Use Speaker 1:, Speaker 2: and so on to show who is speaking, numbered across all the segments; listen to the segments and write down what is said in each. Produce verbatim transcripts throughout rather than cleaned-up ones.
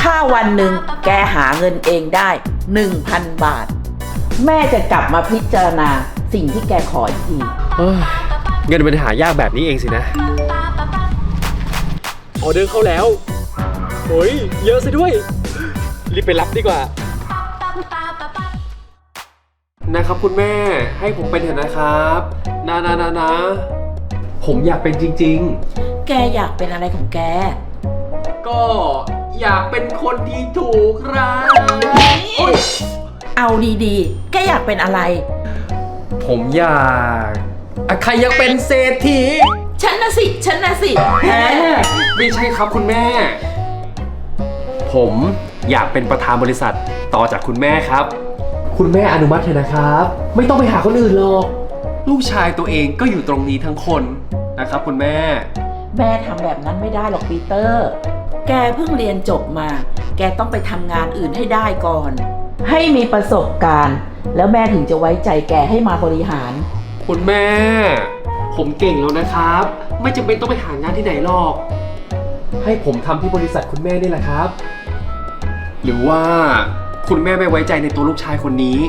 Speaker 1: ถ้าวันหนึ่งแกหาเงินเองได้หนึ่งพันบาทแม่จะกลับมาพิจารณาสิ่งที่แกขออีกที
Speaker 2: เอ้ยเงินมันหายากแบบนี้เองสินะออเดอร์เข้าแล้วโอ้ยเยอะซะด้วยรีบไปรับดีกว่านะครับคุณแม่ให้ผมเป็นเถอะนะครับนะนะนะนะผมอยากเป็นจริง
Speaker 1: ๆแกอยากเป็นอะไรของแก
Speaker 2: ก็อยากเป็นคนที่ถูกครับ
Speaker 1: เอาดีๆแกอยากเป็นอะไร
Speaker 2: ผมอยากใครอยากเป็นเศรษฐี
Speaker 1: ฉันนะสิฉันนะสิ
Speaker 2: แหมไม่ใช่ครับคุณแม่ผมอยากเป็นประธานบริษัทต่อจากคุณแม่ครับคุณแม่อนุมัติเถอะนะครับไม่ต้องไปหาคนอื่นหรอกลูกชายตัวเองก็อยู่ตรงนี้ทั้งคนนะครับคุณแม่
Speaker 1: แม่ทำแบบนั้นไม่ได้หรอกปีเตอร์แกเพิ่งเรียนจบมาแกต้องไปทำงานอื่นให้ได้ก่อนให้มีประสบการณ์แล้วแม่ถึงจะไว้ใจแกให้มาบริหาร
Speaker 2: คุณแม่ผมเก่งแล้วนะครับไม่จำเป็นต้องไปหางานที่ไหนหรอกให้ผมทำที่บริษัทคุณแม่นี่แหละครับหรือว่าคุณแม่ไม่ไว้ใจในตัวลูกชายคนนี้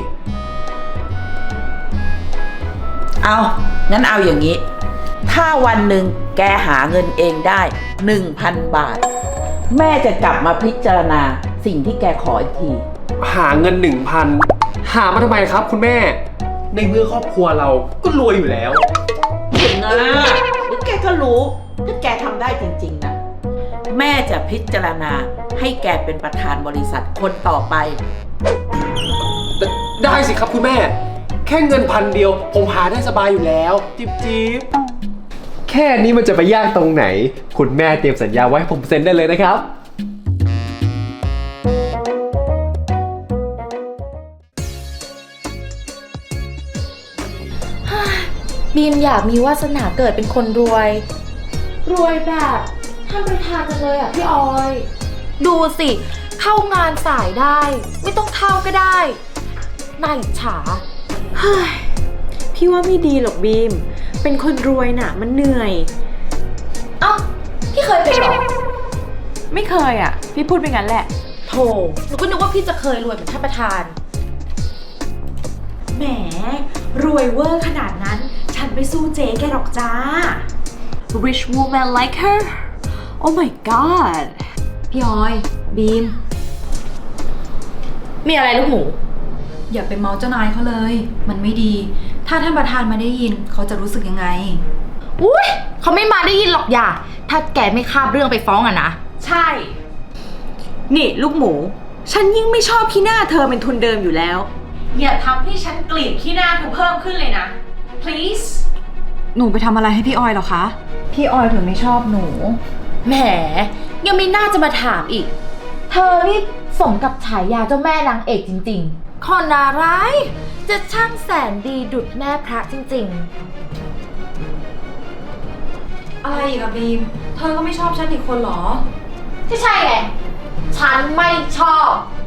Speaker 1: เอางั้นเอาอย่างนี้ถ้าวันหนึ่งแกหาเงินเองได้หนึ่งพันบาทแม่จะกลับมาพิจารณาสิ่งที่แกขออีกที
Speaker 2: หาเงินหนึ่งพันหามาทำไมครับคุณแม่ในเมื่อครอบครัวเราก็รวยอยู่แล้ว
Speaker 1: เห็นนะแกก็รู้ถ้าแกทำได้จริงๆนะแม่จะพิจารณาให้แกเป็นประธานบริษัทคนต่อไป
Speaker 2: ไดได้สิครับคุณแม่แค่เงินพันเดียวผมหาได้สบายอยู่แล้วจิ๊บจิ๊บแค่นี้มันจะไปยากตรงไหนคุณแม่เตรียมสัญญาไว้ให้ผมเซ็นได้เลยนะครับ
Speaker 3: บีมอยากมีวาสนาเกิดเป็นคนรวยรวยแบบท่านประธานจังเลยอ่ะพี่ออยดูสิเข้างานสายได้ไม่ต้องเข้าก็ได้น่าอิจฉา
Speaker 4: เฮ้ยพี่ว่าไม่ดีหรอกบีมเป็นคนรวยน่ะมันเหนื่อย
Speaker 3: เอ้าพี่เคยเป็นหรอ
Speaker 4: ไม่เคยอ่ะพี่พูดไปงั้นแหละ
Speaker 3: โธ่หนูก็นึกว่าพี่จะเคยรวยเหมือนท่านประธาน
Speaker 4: แหมรวยเวอร์ขนาดนั้นฉันไปสู้เจ๊แกหรอกจ้า Rich woman like her Oh my god
Speaker 3: พี่ออยบีมมีอะไรลูกหมู
Speaker 5: อย่าไปเมาเจ้านายเขาเลยมันไม่ดีถ้าท่านประธานมาได้ยินเขาจะรู้สึกยังไง
Speaker 3: อุ้ยเขาไม่มาได้ยินหรอกอย่าถ้าแกไม่คาบเรื่องไปฟ้องอะนะ
Speaker 4: ใช่นี่ลูกหมูฉันยิ่งไม่ชอบขี้หน้าเธอเป็นทุนเดิมอยู่แล้วอย่าทำให้ฉันเกลียดขี้หน้าเธอเพิ่มขึ้นเลยนะ please
Speaker 5: หนูไปทำอะไรให้พี่ออยหรอคะพี่ออยถึงไม่ชอบหนู
Speaker 3: แหมยังมีหน้าจะมาถามอีกเธอนี่สมกับฉายาเจ้าแม่นางเอกจริงๆคนอะไรจะช่างแสนดีดุจแม่พระจริง
Speaker 5: ๆอะไรอีกอะบีมเธอก็ไม่ชอบฉันอีกคนหรอ
Speaker 3: ที่ใช่ไงฉันไม่ชอบ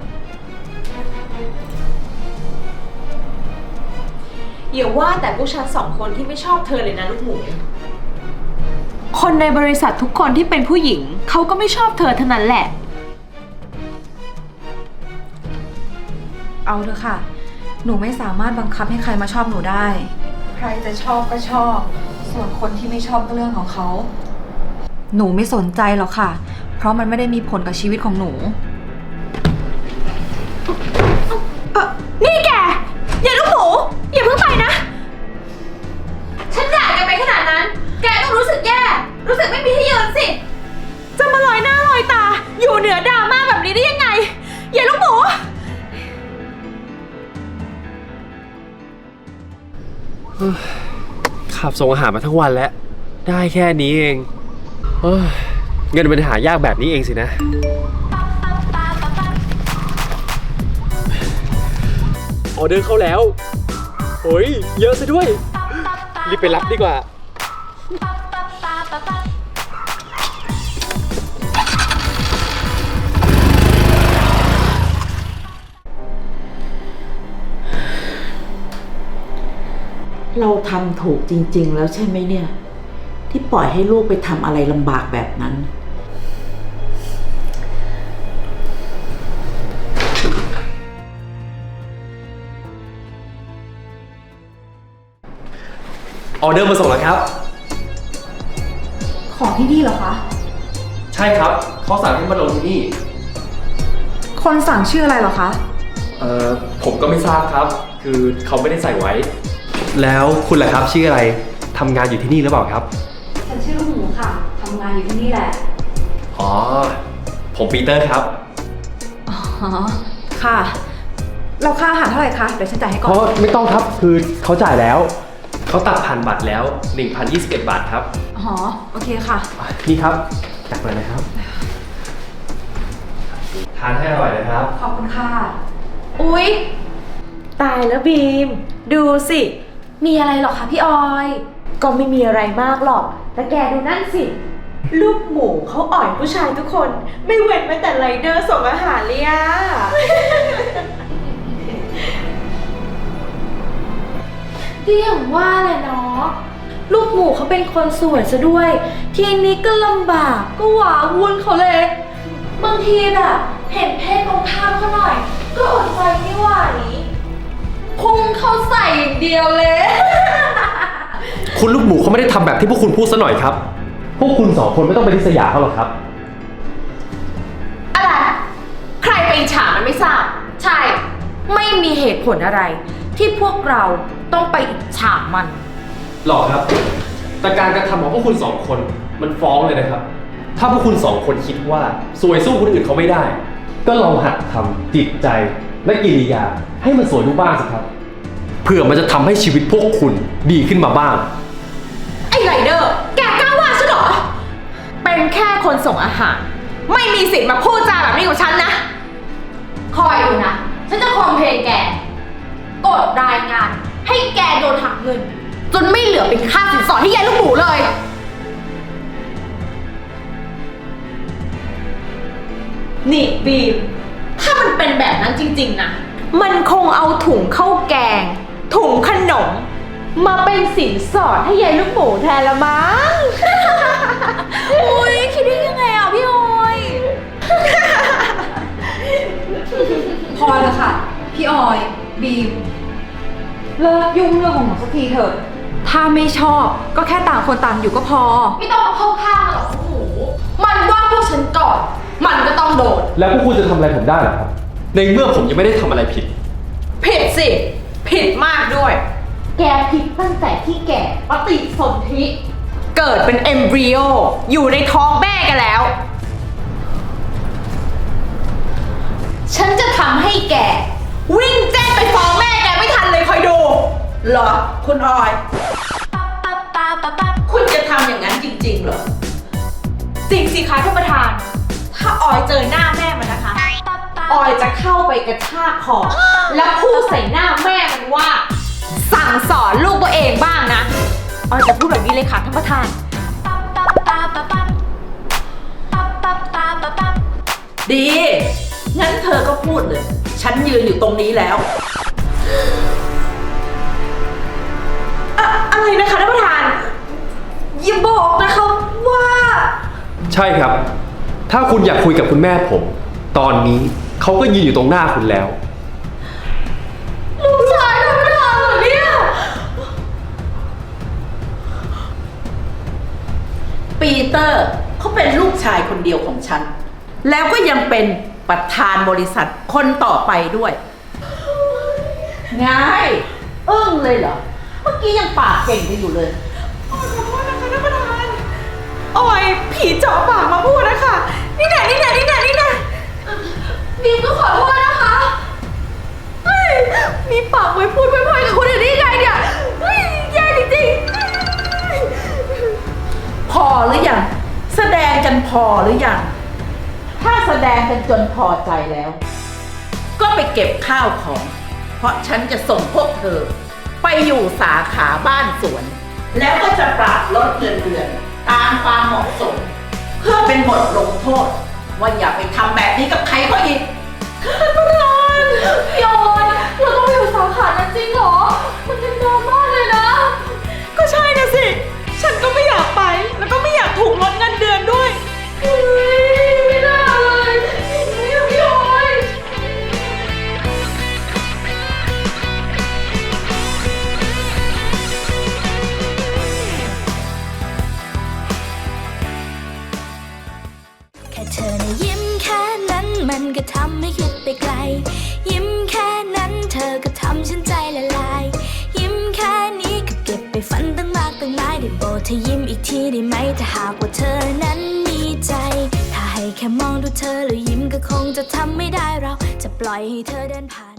Speaker 4: อย่าว่าแต่พวกฉันสองคนที่ไม่ชอบเธอเลยนะลูกหมูคนในบริษัททุกคนที่เป็นผู้หญิงเขาก็ไม่ชอบเธอเท่านั้นแหละ
Speaker 5: เอาเถอะค่ะหนูไม่สามารถบังคับให้ใครมาชอบหนูได้ใครจะชอบก็ชอบส่วนคนที่ไม่ชอบก็เรื่องของเขาหนูไม่สนใจหรอกค่ะเพราะมันไม่ได้มีผลกับชีวิตของหนู
Speaker 4: นี่แกอย่าลูกหมูอย่าเพิ่งไปนะ
Speaker 3: ฉันด่าแกไปขนาดนั้นแกต้องรู้สึกแย่รู้สึกไม่มีที่ยืนสิ
Speaker 4: จะมาลอยหน้าลอยตาอยู่เหนือดราม่าแบบนี้ได้ยังไงอย่าลูกหมู
Speaker 2: ขับส่งอาหารมาทั้งวันแล้วได้แค่นี้เองเฮ้ยเงินมันหายากแบบนี้เองสินะออเดอร์เข้าแล้วโอ้ยเยอะซะด้วยรีบไปรับดีกว่า
Speaker 1: เราทำถูกจริงๆแล้วใช่ไหมเนี่ยที่ปล่อยให้ลูกไปทำอะไรลำบากแบบนั้น
Speaker 2: ออเดอร์มาส่งแล้วครับ
Speaker 5: ของที่นี่เหรอคะ
Speaker 2: ใช่ครับเขาสั่งให้มาลงที่นี่
Speaker 5: คนสั่งชื่ออะไรเหรอคะ
Speaker 2: เอ่อผมก็ไม่ทราบครับ คือเขาไม่ได้ใส่ไว้ แล้วคุณล่ะครับชื่ออะไรทำงานอยู่ที่นี่หรือเปล่าครับ
Speaker 5: ฉันชื่อลูกหมูค่ะ ทำงานอยู่ที่นี่แหละ
Speaker 2: อ๋อ ผมปีเตอร์ครับ
Speaker 5: อ๋อ ค่ะ เราค่าอาหารเท่าไหร่คะ เดี๋ยวฉันจ่ายให้ก่อน
Speaker 2: เพราะไม่ต้องครับ คือเขาจ่ายแล้ว เขาตัดผ่านบัตรแล้ว หนึ่งพันยี่สิบเอ็ด บาทครับ
Speaker 5: อ๋อ โอเคค่ะ
Speaker 2: อ่ะนี่ครับจัดไปเลยครับ ทานให้อร่อยนะครับ
Speaker 5: ขอบคุณค่ะ
Speaker 4: อุ๊ย ตายแล้วบีม ดูสิ
Speaker 3: มีอะไรหรอคะพี่ออย
Speaker 4: ก็ไม่มีอะไรมากหรอก แต่แกดูนั่นสิ ลูกหมูเขาอ่อยผู้ชายทุกคน ไม่เว้นแม้แต่ไรเดอร์ส่งอาหารเลยอะ
Speaker 3: ก็อย่างว่าแหละเนาะลูกหมูเขาเป็นคนสวยซะด้วย ทีนี้ก็ลำบากก็หวาวุ่นเขาเลย บางทีแบบเห็นเพศตรงข้ามเขาหน่อย ก็อดใจไม่ไหวพุ่งเขาใส่อย่างเดียวเลย
Speaker 2: คุณลูกหมูเขาไม่ได้ทำแบบที่พวกคุณพูดซะหน่อยครับ พวกคุณสองคนไม่ต้องไปริษยาเขาหรอกครับ
Speaker 4: อะไร ใครไปอิจฉามันไม่ทราบ
Speaker 3: ใช่ ไม่มีเหตุผลอะไร ที่พวกเราต้องไปอิจฉามัน
Speaker 2: หรอกครับ แต่การกระทำของพวกคุณสองคนมันฟ้องเลยนะครับ ถ้าพวกคุณสองคนคิดว่าสวยสู้คนอื่นเขาไม่ได้ ก็ลองหัดทำจิตใจและกิริยาให้มันสวยดูบ้างสิครับ เพื่อมันจะทำให้ชีวิตพวกคุณดีขึ้นมาบ้าง
Speaker 4: ไอ้ไรเดอร์ แกกล้าว่าฉันเหรอ เป็นแค่คนส่งอาหาร ไม่มีสิทธิ์มาพูดจาแบบนี้กับฉันนะ
Speaker 3: คอยดูนะ ฉันจะคอมเพลนแก กดรายงาน ให้แกโดนหักเงิน จนไม่เหลือเป็นค่าสินสอดที่ยายลูกหมูเลย
Speaker 4: นี่บีม ถ้ามันเป็นแบบนั้นจริงๆนะ มันคงเอาถุงข้าวแกง ถุงขนม มาเป็นสินสอดให้ยายลูกหมูแทนละมั้ง
Speaker 3: อุ้ยคิดได้ยังไงอ่ะพี่ออย
Speaker 5: พอแล้วค่ะ พี่ออย บีม เลิกยุ่งเรื่องของหนูสักทีเถอะ ถ้าไม่ชอบก็แค่ต่างคนต่างอยู่ก็พอ
Speaker 3: ไม่ต้องมาเข้าข้างหรอกลูกหมู มันว่าพวกฉันก่อน มันก็ต้องโดน
Speaker 2: แล้วพวกคุณจะทำอะไรผมได้หรอครับ ในเมื่อผมยังไม่ได้ทำอะไรผิด
Speaker 4: ผิดสิ ผิดมากด้วย
Speaker 3: แกผิดตั้งแต่ที่แกปฏิสนธิ
Speaker 4: เกิดเป็นเอมบริโออยู่ในท้องแม่กันแล้ว ฉันจะทำให้แก วิ่งแจ้งไปฟ้องแม่แกไม่ทันเลยคอยดู
Speaker 1: เหรอ คุณออย คุณจะทำอย่างนั้นจริงๆเหรอ
Speaker 4: จริงสิคะท่านประธาน ถ้าออยเจอหน้าแม่มันนะคะ ออยจะเข้าไปกระชากคอแล้วพูดใส่หน้าแม่มันว่า สั่งสอนลูกตัวเองบ้างนะ ออยจะพูดแบบนี้เลยค่ะท่านประธาน
Speaker 1: ดี งั้นเธอก็พูดเลย ฉันยืนอยู่ตรงนี้แล้ว
Speaker 4: อะอะไรนะคะท่านประธาน อย่าบอกนะคะว่า
Speaker 2: ใช่ครับ ถ้าคุณอยากคุยกับคุณแม่ผม ตอนนี้เขาก็ยืนอยู่ตรงหน้าคุณแล้ว
Speaker 4: ลูกชายท่านประธานเหรอเนี่ย
Speaker 1: ปีเตอร์เขาเป็นลูกชายคนเดียวของฉัน แล้วก็ยังเป็นประธานบริษัทคนต่อไปด้วยไงอึ้งเลยเหรอ เมื่อกี้ยังปากเก่งกันอยู่เลย
Speaker 4: ขอโทษนะคะท่านประธานออยผีเจาะปากมาพูดนะคะ นี่แน่นี่แน่นี่แน่นี่แน่
Speaker 3: บีมก็ขอโทษนะคะ
Speaker 4: เฮ้ยมีปากไว้พูดไว้พอยกับคนอื่นได้ยังไงเนี่ยเฮ้ยแย่จริง
Speaker 1: พอหรือยังแสดงกันพอหรือยังถ้าแสดงกันจนพอใจแล้ว ก็ไปเก็บข้าวของ เพราะฉันจะส่งพวกเธอ ไปอยู่สาขาบ้านสวน แล้วก็จะปรับลดเงินเดือนตามความเหมาะสม เพื่อเป็นบทลงโทษ ว่าอย่าไปทำแบบนี้กับใครเขาอีก
Speaker 3: พี่ออยเราต้องไปอยู่สาขานั้นจริงเหรอ มันเป็นดราม่าเลยนะ
Speaker 4: ๆ ก็ใช่นะสิ ฉันก็ไม่อยากไป แล้วก็ไม่อยากถูกลดเงินเดือนด้วย
Speaker 3: เฮ้ยไม่น่าเลยไม่เอาพี่ออย
Speaker 4: พ
Speaker 6: อีกทีได้ไหมถ้าหากว่าเธอนั้นมีใจ ถ้าให้แค่มองดูเธอแล้วยิ้มก็คงจะทำไม่ได้เราจะปล่อยให้เธอเดินผ่าน